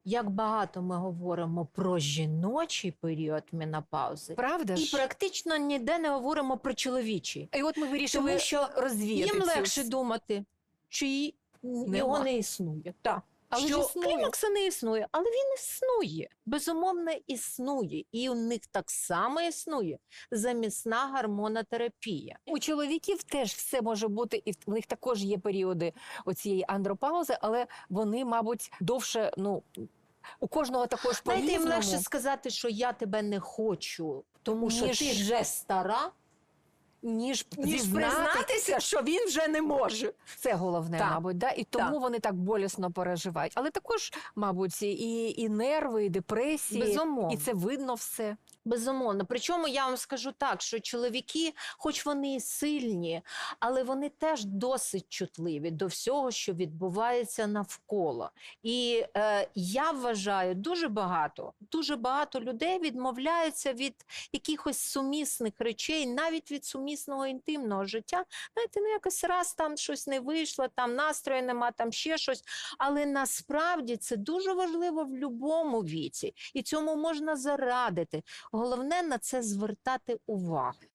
як багато ми говоримо про жіночий період менопаузи, Правда і ж? практично ніде не говоримо про чоловічий. І от ми вирішили Тому що розвіяти їм цю легше думати, що його не існує. Так. Але що ж існує. клімакса не існує, але він існує. Безумовно, існує. І у них так само існує замісна гормонотерапія. У чоловіків теж все може бути, і в них також є періоди оцієї андропаузи, але вони, мабуть, довше, у кожного також Знаєте, їм по-різному. легше сказати, що я тебе не хочу, тому що Ніж- ти вже стара, ніж признатися, що він вже не може. Це головне, Так. мабуть, да? І тому Так. вони так болісно переживають. Але також, мабуть, і нерви, і депресії, Безумовно. і це видно все. Безумовно. Причому я вам скажу так, що чоловіки, хоч вони і сильні, але вони теж досить чутливі до всього, що відбувається навколо. І я вважаю, дуже багато людей відмовляються від якихось сумісних речей, навіть від сумісного інтимного життя. Знаєте, якось раз там щось не вийшло, там настрою нема, там ще щось. Але насправді це дуже важливо в будь-якому віці. І цьому можна зарадити. Головне на це звертати увагу.